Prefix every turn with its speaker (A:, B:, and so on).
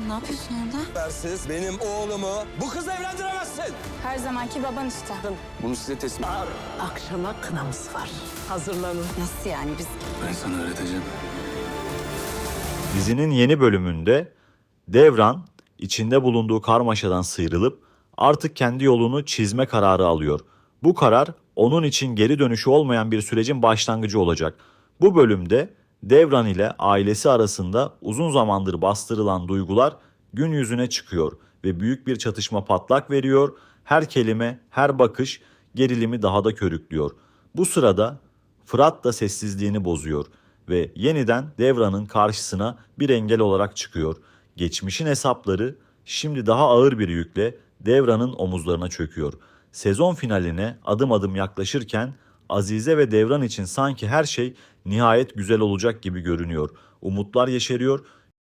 A: Ne yapıyorsun orada?
B: Siz benim oğlumu bu kızla evlendiremezsin.
A: Her zamanki baban işte.
B: Bunu size teslim.
C: Akşama kınamız var. Hazırlanın.
A: Nasıl yani biz?
B: Ben sana öğreteceğim.
D: Dizinin yeni bölümünde Devran içinde bulunduğu karmaşadan sıyrılıp artık kendi yolunu çizme kararı alıyor. Bu karar onun için geri dönüşü olmayan bir sürecin başlangıcı olacak. Bu bölümde Devran ile ailesi arasında uzun zamandır bastırılan duygular gün yüzüne çıkıyor ve büyük bir çatışma patlak veriyor. Her kelime, her bakış gerilimi daha da körüklüyor. Bu sırada Fırat da sessizliğini bozuyor ve yeniden Devran'ın karşısına bir engel olarak çıkıyor. Geçmişin hesapları şimdi daha ağır bir yükle Devran'ın omuzlarına çöküyor. Sezon finaline adım adım yaklaşırken Azize ve Devran için sanki her şey nihayet güzel olacak gibi görünüyor. Umutlar yeşeriyor